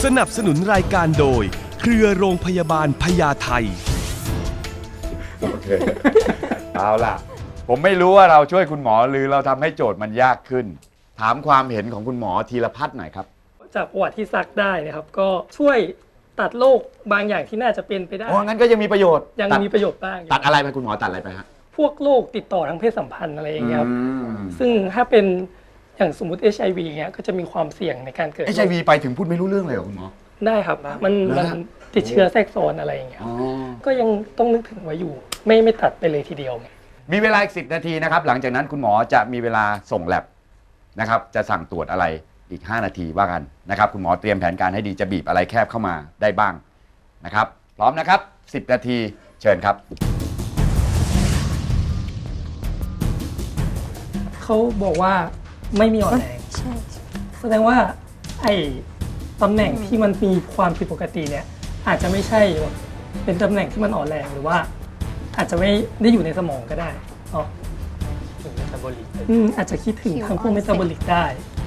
สนับสนุนรายการโดยเครือโรงพยาบาลพญาไทโอเคเอาล่ะผมไม่รู้ว่าเราช่วยคุณหมอหรือเราทำให้โจทย์มันยากขึ้น ถามความเห็นของคุณหมอธีรพัฒน์หน่อยครับจากประวัติที่ซักได้นะครับก็ช่วยตัดโรคบางอย่างที่น่าจะเป็นไปได้อ๋องั้นก็ยังมีประโยชน์ยังมีประโยชน์บ้างอยู่ตัดอะไรไปคุณหมอตัดอะไรไปฮะพวกโรคติดต่อทางเพศสัมพันธ์อะไรอย่างเงี้ยครับอืมซึ่งถ้าเป็นอย่างสมมติ HIV เงี้ยก็จะมีความเสี่ยงในการเกิด HIV ไปถึงพูดไม่รู้เรื่องเลยเหรอคุณหมอได้ครับมันติดเชื้อแทรกซ้อนอะไรอย่างเงี้ยอ๋อก็ยังต้องนึกถึงไว้อยู่ ไม่ตัดไปเลยทีเดียวไงมีเวลาอีก10 นาทีนะครับหลังจากนั้นคุณหมอจะมีเวลาส่งแลบนะครับจะสั่งตรวจอะไรอีก5 นาทีว่ากันนะครับคุณหมอเตรียมแผนการให้ดีจะบีบอะไรแคบเข้ามาได้บ้างนะครับพร้อมนะครับ10 นาทีเชิญครับเขาบอกว่าไม่มีอ่อนแรงใช่แสดงว่าไอ้ตำแหน่งที่มันมีความผิดปกติเนี่ยอาจจะไม่ใช่แบบเป็นตำแหน่งที่มันอ่อนแรงหรือว่า อาจจะไม่ได้อยู่ในสมองก็ได้เนาะถึงเมตาบอลิกอาจจะคิดถึงทางพวกเมตาบอลิกได้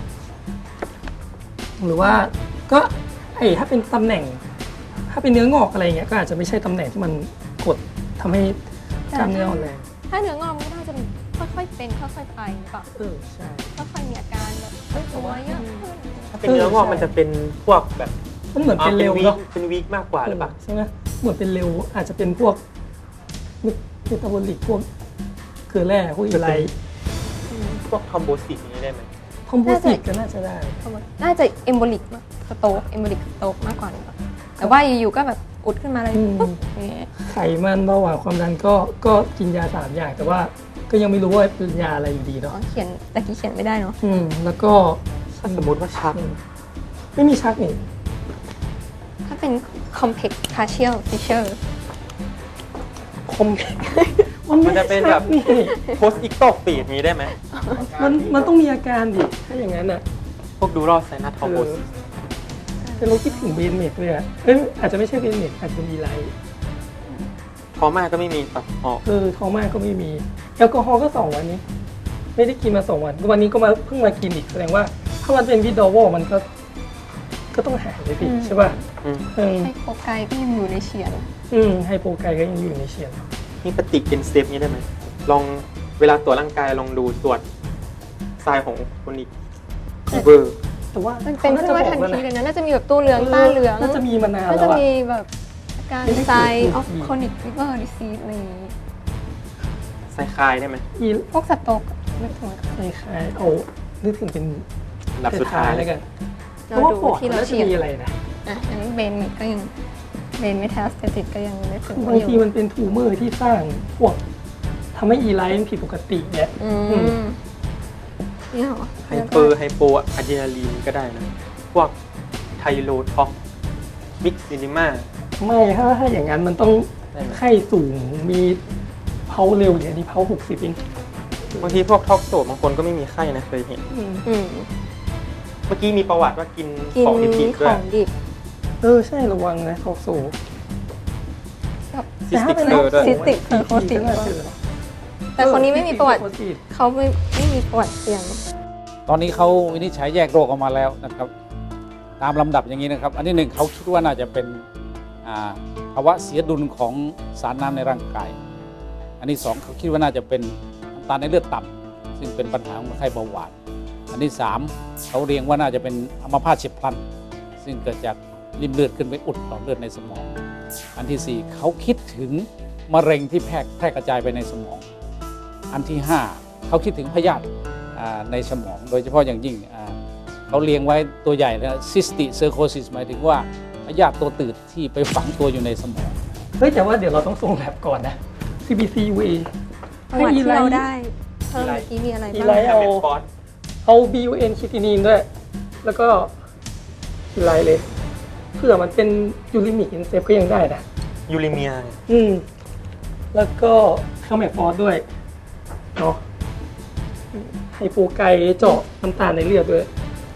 หรือว่าก็ถ้าเป็นตำแหน่ง ถ้าเป็นเนื้องอกอะไรเงี้ยก็อาจจะไม่ใช่ตำแหน่งที่มันกดทำให้กล้ามเนื้ออ่อนแรงถ้าเนื้องอกมันก็น่าจะค่อยๆเป็นค่อยๆไปหรือเปล่าใช่ค่อยๆมีอาการแบบตัวเยอะขึ้นถ้าเป็นเนื้องอกมันจะเป็นพวกแบบมันเหมือนเป็นเร็ววีคเนาะเป็นวีคมากกว่าหรือเปล่าใช่ไหมเหมือนเป็นเร็วอาจจะเป็นพวกเมตาบอลิกพวกเกลือแร่พวกอะไรพวกทอมโบซิสนี้ได้ไหมคอมโพสิตก็น่าจะได้น่าจะเอมโบลิกสโตกเอมโบลิกสโตกมากกว่าหรือเปล่าแต่ว่าอยู่ๆก็แบบอุดขึ้นมาเลยปุ๊บอย่างเงี้ยไขมันเบาหวานความดันก็กินยา3 อย่าง แต่ว่าก็ยังไม่รู้ว่าเป็นยาอะไรอยู่ดีอ๋เนาะอเขียนแต่กี้เขียนไม่ได้เนาะแล้วก็ถ้าสมมติว่าชักไม่มีชักนี่ถ้าเป็น complex partial fissure คอมมันจะเป็นแบบนี่โพสอิกโตฟีดนี้ได้ไหมมันต้องมีอาการดิถ้าอย่างนั้นอ่ะพวกดูรอดไซนัสทอมโบซิสแต่เราคิดถึงเบนเมดเลยอ่ะอาจจะไม่ใช่เบนเมดอาจจะเป็นอีไลท์ทอม่าก็ไม่มีตัดออกท้องมากก็ไม่มีแอลกอฮอล์ก็2 วันนี้ ไม่ได้กินมา2 วันวันนี้ก็มาเพิ่งมากินอีกแสดงว่าถ้ามันเป็นวิดอวอลมันก็ต้องหายไปสิใช่ป่ะไฮโปไกก็ยังอยู่ในเฉียนไฮโปไกก็ยังอยู่ในเชียนนี่ปฏิกินเซฟนี้ได้ไหมลองเวลาตรวจร่างกายลองดูตรวจทรายของคนอีกฟีเวอร์แต่ว่ามันเป็นขึ้นมาทันทีเลยนะน่าจะมีแบบตู้เหลืองต้าเหลืองน่าจะมีมานานน่าแล้จะวอะมีแบบอาการไม่ได้ไซเกิดออฟอีกโคนิกฟีเวอร์ดิซีสอะไรอย่างงี้ไซคลายได้ไหมอีพวกสโตกนึกถึงคล้ายๆเอานึกถึงเป็นอันดับสุดท้ายแล้วกันเพเราราะว่าดูปอดที่มันเราน่าจะเฉียนมีอะไรนะอ่ะอันนี้เบนก็ยังเบนเมทาสเตติกก็ยังนึกถึงบางทีมันเป็นทูเมอร์ที่สร้างพวกทำให้อีไลท์มันผิดปกติเนี่ยนี่เหรอไฮโปอะดรีนาลีนก็ได้นะ พวกไทโรท็อกมิกซินิมาไม่ถ้าอย่างนั้นมันต้องได้ไหมไข้สูงมีเพาเร็วอย่างนี้เพา60เองบางทีพวกท็อกโซบางคนก็ไม่มีไข้นะเคยเห็นอืมเมื่อกี้มีประวัติว่ากินกินของดิบๆขด้วอย งดิบใช่ระวังนะทอกโซแบบซิสติกเซอร์ด้วยซิสติกเซอร์โคติก แต่คนนี้ไม่มีประวัติเขาไม่มีประวัติเสี่ยงตอนนี้เขาวินิจฉัยแยกโรคออกมาแล้วนะครับตามลำดับอย่างนี้นะครับ อันที่หนึ่งเขาคิดว่าน่าจะเป็นภาวะเสียดุลของสารน้ำในร่างกาย อันที่สองเขาคิดว่าน่าจะเป็นน้ำตาลในเลือดต่ำซึ่งเป็นปัญหาของคนไข้เบาหวานอันที่สามเขาเรียงว่าน่าจะเป็นอัมพาตเฉียบพลันซึ่งเกิดจากริ่มเลือดขึ้นไปอุดหลอดเลือดในสมอง อันที่สี่เขาคิดถึงมะเร็งที่แพร่กระจายไปในสมอง อันที่5เขาคิดถึงพยาธิในสมอง โดยเฉพาะอย่างยิ่งเขาเรียงไว้ตัวใหญ่นะซิสติเซอร์โคซิสหมายถึงว่าพยาธิตัวตืดที่ไปฝังตัวอยู่ในสมองแต่ว่าเดี๋ยวเราต้องส่งแลบก่อนนะ CBC UA ประวัติที่เราได้เพิ่มเมื่อกี้มีอะไรอีบ้างไลท์แคมเปญฟอสเอา BUN คิตินีนด้วย แล้วก็อีไลท์เลยเผื่อมันเป็นยูริมิกอินเซฟก็ยังได้นะยูริเมียแล้วก็เข้าแมกฟอสด้วยเนาะไฮโปไกเจาะน้ำตาลในเลือดด้วย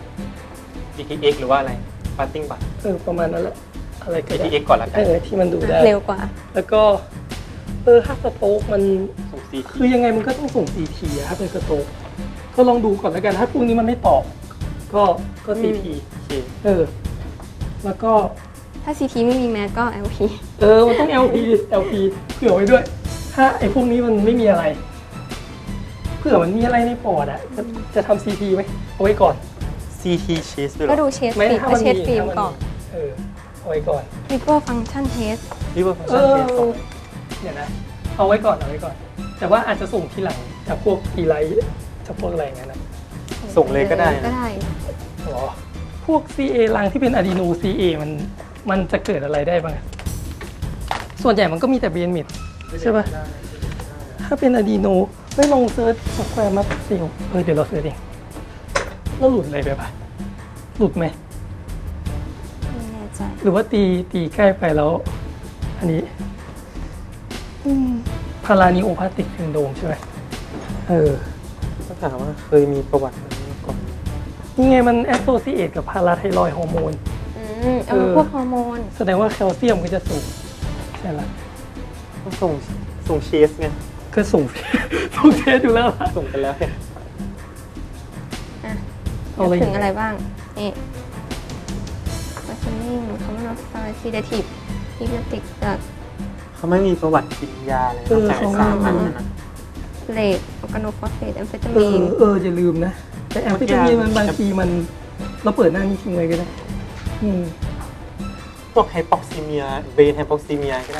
GTX หรือว่าอะไรฟาสติ้งบัตประมาณนั้นแหละอะไรก็ได้ GTX ก่อนละกันที่มันดูได้เร็วกว่าแล้วก็ถ้าสโตกมันส่งซีทีคือยังไงมันก็ต้องส่ง CT อะถ้าเป็นสโตกก็ลองดูก่อนแล้วกัน ถ้าพวกนี้มันไม่ตอบก็ CT โอเคแล้วก็ถ้า CT ไม่มีแมสก็ LP มันต้อง LP เผื่อไว้ด้วย ถ้าไอ้พวกนี้มันไม่มีอะไรเผื่อมันมีอะไรในปอดจะทำ CT ไหมเอาไว้ก่อน CT cheese ด้วยเหรก็อดูเชสไม่ฟิล์มถ้าก็มันเชสฟิล์มถ้าก่อนเอาไว้ก่อน liver function test liver function test ก่อนเดี๋ยวนะเอาไว้ก่อน แต่ว่าอาจจะส่งทีหลังจากพวกอีไลท์จากพวกอะไรอย่างเงี้ยนะส่งเลยก็ได้นะก็ได้อ๋อพวก CA รังที่เป็นอะดีโน CA มันจะเกิดอะไรได้บ้างอะส่วนใหญ่มันก็มีแต่เบนมิดใช่ป่ะถ้าเป็นอะดีโนไม่ลองเซิร์ชสแควร์มัสเซลเดี๋ยวเราเซิร์ชเองแล้วหลุดอะไรไปปะหลุดไหมไม่แน่ใจหรือว่าตีใกล้ไปแล้ว อันนี้พารานิโอพาติกซินโดรมใช่ไหมก็ถามว่าเคยมีประวัติอะไรมาก่อนนี่ไงมันแอสโซซิเอตกับพาราไทรอยด์ฮอร์โมนพวกฮอร์โมนแสดงว่าแคลเซียมก็จะสูงใช่ละก็ส่งเชสไงก็สูง สูงเทสอยู่แล้วล่ะส่งไปแล้วเนี่ยเอาอะไรถึงอะไรบ้าง นี่ functioning common of sedative hypnotic drug เขาไม่มีประวัติกินยาเลยนอกจากไอ้สามอันนั้นนะ rate organophosphate amphetamine อย่าลืมนะ แต่แอมเฟตามีนมันบางทีมันเราเปิดหน้านี้ทิ้งไว้ก็ได้พวกไฮปอกซิเมียเบนไฮปอกซิเมียก็ได้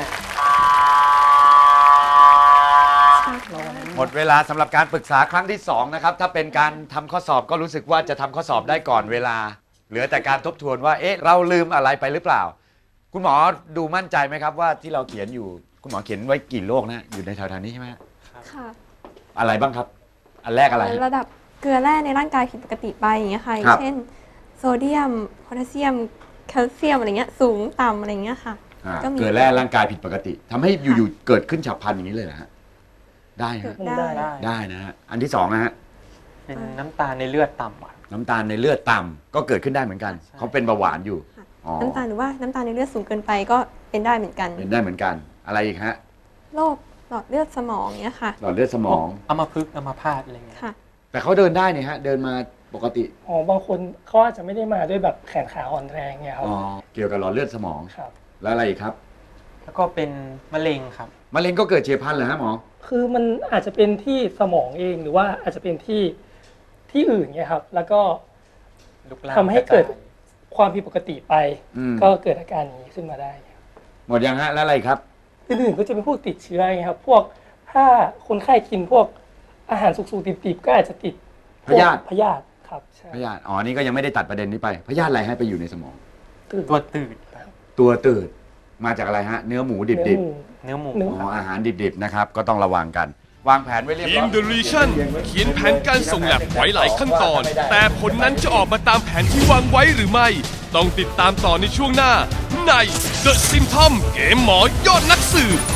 หมดเวลาสำหรับการปรึกษาครั้งที่2นะครับถ้าเป็นการทำข้อสอบก็รู้สึกว่าจะทำข้อสอบได้ก่อนเวลา เหลือแต่การทบทวนว่าเราลืมอะไรไปหรือเปล่า คุณหมอดูมั่นใจไหมครับว่าที่เราเขียนอยู่คุณหมอเขียนไว้กี่โรคนะอยู่ในแถวๆนี้ใช่ไหมค่ะอะไรบ้างครับ อันแรกอะไรระดับเกลือแร่ในร่างกายผิดปกติไปอย่างเงี้ยค่ะครับเช่นโซเดียมโพแทสเซียมแคลเซียมอะไรเงี้ยสูงต่ำอะไรเงี้ยค่ะก็มีเกิดแร่ร่างกายผิดปกติทำให้อยู่ๆเกิดขึ้นฉับพลันอย่างนี้เลยนะฮะได้ฮะได้ได้นะฮะอันที่2นะฮะเป็นน้ำตาลในเลือดต่ำอ่ะน้ำตาลในเลือดต่ำก็เกิดขึ้นได้เหมือนกันใช่เขาเป็นเบาหวานอยู่อ๋อน้ำตาลหรือว่าน้ำตาลในเลือดสูงเกินไปก็เป็นได้เหมือนกันเป็นได้เหมือนกันอะไรอีกฮะโรคหลอดเลือดสมองเนี้ยค่ะหลอดเลือดสมองอัมพฤกษ์อัมพาตอะไรเงี้ยค่ะแต่เขาเดินได้เนี่ยฮะเดินมาปกติบางคนเขาอาจจะไม่ได้มาด้วยแบบแขนขาอ่อนแรงเนี่ยครับอ๋อเกี่ยวกับหลอดเลือดสมองครับแล้วอะไรอีกครับแล้วก็เป็นมะเร็งครับมะเร็งก็เกิดเฉียบพลันเหรอฮะหมอคือมันอาจจะเป็นที่สมองเองหรือว่าอาจจะเป็นที่อื่นเนี่ยครับ แล้วก็ลุกลามทำให้เกิดระจายความผิดปกติไปอืมก็เกิดอาการอย่างนี้ขึ้นมาได้หมดยังฮะแล้วอะไรอีกครับอื่นๆก็จะเป็นพวกติดเชื้อไงครับ พวกถ้าคนไข้กินพวกอาหารสุกๆดิบๆก็อาจจะติดพยาธิพยาธิครับใช่พยาธิอ๋อนี่ก็ยังไม่ได้ตัดประเด็นนี้ไปพยาธิอะไรให้ไปอยู่ในสมองตัวตืดตัวตืดมาจากอะไรฮะเนื้อหมูดิบเนื้อหมูเนื้อๆอ๋ออาหารดิบๆนะครับก็ต้องระวังกัน วางแผนไว้เรียบทีร้มอยเดอะรีชั่นเขียนแผนการส่งแลบไว้หลายขั้นตอน แต่ผลนั้นจะออกมาตามแผนที่วางไว้หรือไม่ ต้องติดตามต่อในช่วงหน้า ใน The Symptom เกมหมอยอดนักสืบ